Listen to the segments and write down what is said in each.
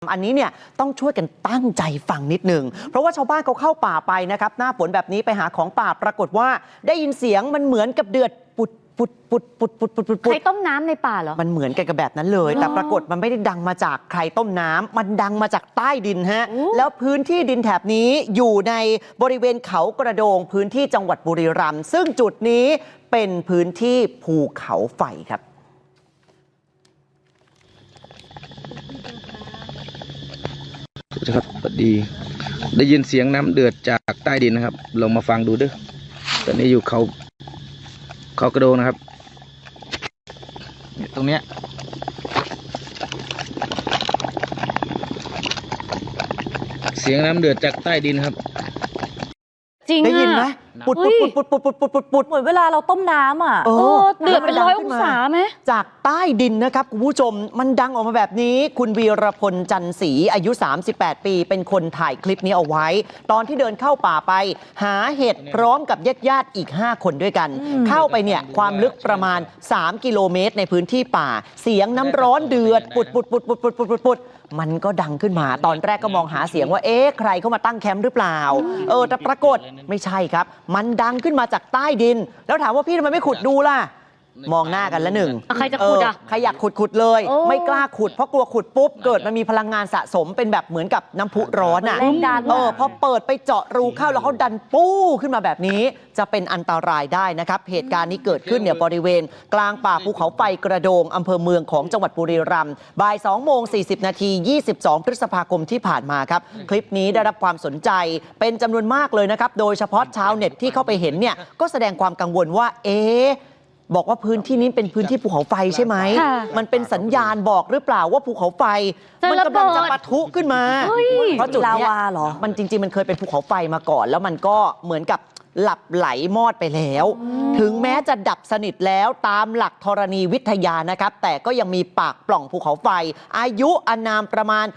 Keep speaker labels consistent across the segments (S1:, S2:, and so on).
S1: อันนี้เนี่ยต้องช่วยกันตั้งใจฟังนิดหนึ่งเพราะว่าชาวบ้านเขาเข้าป่าไปนะครับหน้าฝนแบบนี้ไปหาของป่าปรากฏว่าได้ยินเสียงมันเหมือนกับเดือดปุด
S2: ใครต้มน้ำในป่าเหรอ
S1: มันเหมือนกันกับแบบนั้นเลยแต่ปรากฏมันไม่ได้ดังมาจากใครต้มน้ำมันดังมาจากใต้ดินฮะแล้วพื้นที่ดินแถบนี้อยู่ในบริเวณเขากระโดงพื้นที่จังหวัดบุรีรัมย์ซึ่งจุดนี้เป็นพื้นที่ภูเขาไฟครับ
S3: ครับสวัสดีได้ยินเสียงน้ำเดือดจากใต้ดินนะครับลองมาฟังดูด้วยตอนนี้อยู่เขากระโดงนะครับตรงเนี้ยเสียงน้ำเดือดจากใต้ดินครับ
S2: จริง
S1: ได้ยินไหมปุดเห
S4: มือนเวลาเราต้มน้ำอ่ะ
S2: เดือดเป็น100 องศาไหม
S1: จากใต้ดินนะครับคุณผู้ชมมันดังออกมาแบบนี้คุณวีรพลจันศรีอายุ38 ปีเป็นคนถ่ายคลิปนี้เอาไว้ตอนที่เดินเข้าป่าไปหาเห็ดพร้อมกับญาติอีก5 คนด้วยกันเข้าไปเนี่ยความลึกประมาณ3 กิโลเมตรในพื้นที่ป่าเสียงน้ำร้อนเดือดปุดมันก็ดังขึ้นมาตอนแรกก็มองหาเสียงว่าใครเข้ามาตั้งแคมป์หรือเปล่าแต่ปรากฏไม่ใช่ครับมันดังขึ้นมาจากใต้ดินแล้วถามว่าพี่ทำไมไม่ขุดดูล่ะมองหน้ากันละหนึ่ง
S2: ใครจะขุด
S1: ใครอยากขุดเลยไม่กล้าขุดเพราะกลัวขุดปุ๊บเกิดมันมีพลังงานสะสมเป็นแบบเหมือนกับน้ำพุร้อนอ่ะพอเปิดไปเจาะรูเข้าแล้วเขาดันปู้ขึ้นมาแบบนี้จะเป็นอันตรายได้นะครับเหตุการณ์นี้เกิดขึ้นเนี่ยบริเวณกลางป่าภูเขาไฟกระโดงอำเภอเมืองของจังหวัดบุรีรัมย์บ่าย 2:40 นาที22 พฤษภาคมที่ผ่านมาครับคลิปนี้ได้รับความสนใจเป็นจำนวนมากเลยนะครับโดยเฉพาะชาวเน็ตที่เข้าไปเห็นเนี่ยก็แสดงความกังวลว่าบอกว่าพื้นที่นี้เป็นพื้นที่ภูเขาไฟใช่ไหมมันเป็นสัญญาณบอกหรือเปล่าว่าภูเขาไฟมันกำลังจะปะทุขึ้นมาเพราะจุดนี้มันจริงๆมันเคยเป็นภูเขาไฟมาก่อนแล้วมันก็เหมือนกับหลับไหลมอดไปแล้วถึงแม้จะดับสนิทแล้วตามหลักธรณีวิทยานะครับแต่ก็ยังมีปากปล่องภูเขาไฟอายุอานามประมาณ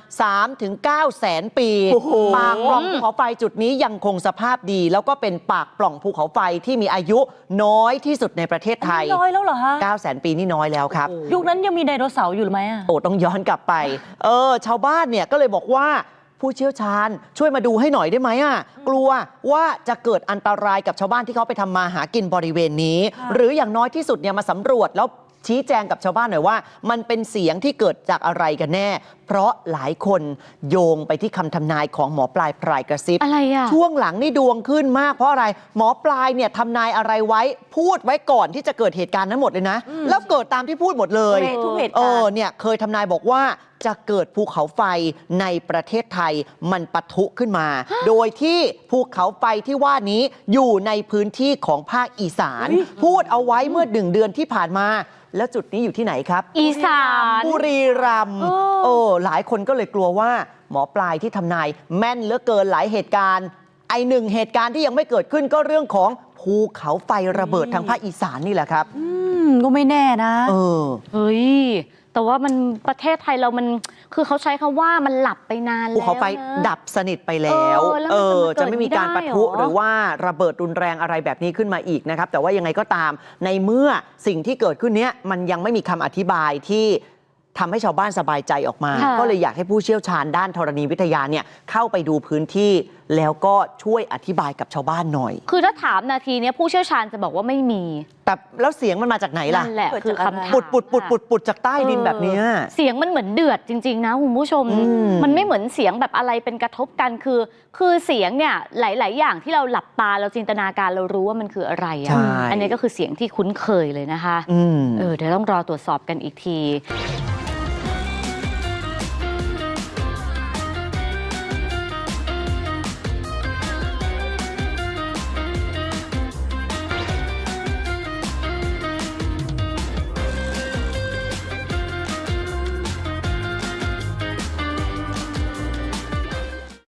S1: 3-9 แสนปีปากปล่องภูเขาไฟจุดนี้ยังคงสภาพดีแล้วก็เป็นปากปล่องภูเขาไฟที่มีอายุน้อยที่สุดในประเทศไทย
S4: น้อยแล้วเหรอฮะ
S1: 9 แสนปีนี่น้อยแล้วครับ
S4: ยุคนั้นยังมีไดโนเสาร์อยู่หรือไม่
S1: ต้องย้อนกลับไปชาวบ้านเนี่ยก็เลยบอกว่าผู้เชี่ยวชาญช่วยมาดูให้หน่อยได้ไหมกลัวว่าจะเกิดอันตรายกับชาวบ้านที่เขาไปทำมาหากินบริเวณนี้หรืออย่างน้อยที่สุดเนี่ยมาสำรวจแล้วชี้แจงกับชาวบ้านหน่อยว่ามันเป็นเสียงที่เกิดจากอะไรกันแน่เพราะหลายคนโยงไปที่คำทำนายของหมอปลายพรายกระซิบ
S2: อะไร
S1: ช่วงหลังนี่ดวงขึ้นมากเพราะอะไรหมอปลายเนี่ยทำนายอะไรไว้พูดไว้ก่อนที่จะเกิดเหตุการณ์นั้นหมดเลยนะแล้วเกิดตามที่พูดหมดเลย
S4: ทุกเหตุการณ์
S1: เนี่ยเคยทำนายบอกว่าจะเกิดภูเขาไฟในประเทศไทยมันปะทุขึ้นมา โดยที่ภูเขาไฟที่ว่านี้อยู่ในพื้นที่ของภาคอีสานพูดเอาไว้เมื่อ1 เดือนที่ผ่านมาแล้วจุดนี้อยู่ที่ไหนครับ
S2: อีสาน
S1: บุรีรัมย์หลายคนก็เลยกลัวว่าหมอปลายที่ทำนายแม่นเหลือเกินหลายเหตุการณ์1 เหตุการณ์ที่ยังไม่เกิดขึ้นก็เรื่องของภูเขาไฟระเบิดทางภาคอีสานนี่แหละครับ
S4: ก็ไม่แน่นะ
S2: เฮ้ยแต่ว่ามันประเทศไทยเรามันคือเขาใช้คำว่ามันหลับไปนานแล้ว
S1: ภูเขาไฟดับสนิทไปแล้วจะไม่มีการปะทุหรือว่าระเบิดรุนแรงอะไรแบบนี้ขึ้นมาอีกนะครับแต่ว่ายังไงก็ตามในเมื่อสิ่งที่เกิดขึ้นเนี้ยมันยังไม่มีคำอธิบายที่ทำให้ชาวบ้านสบายใจออกมาก็เลยอยากให้ผู้เชี่ยวชาญด้านธรณีวิทยาเนี่ยเข้าไปดูพื้นที่แล้วก็ช่วยอธิบายกับชาวบ้านหน่อย
S2: คือถ้าถามนาทีนี้ผู้เชี่ยวชาญจะบอกว่าไม่มี
S1: แต่แล้วเสียงมันมาจากไหนล่ะ
S2: นั่นแหละคือคำถาม
S1: ปุดจากใต้ดินแบบนี้
S2: เสียงมันเหมือนเดือดจริงๆนะคุณผู้ชมมันไม่เหมือนเสียงแบบอะไรเป็นกระทบกันคือเสียงเนี่ยหลายๆอย่างที่เราหลับตาเราจินตนาการเรารู้ว่ามันคืออะไรอันนี้ก็คือเสียงที่คุ้นเคยเลยนะคะเดี๋ยวต้องรอตรวจสอบกันอีกที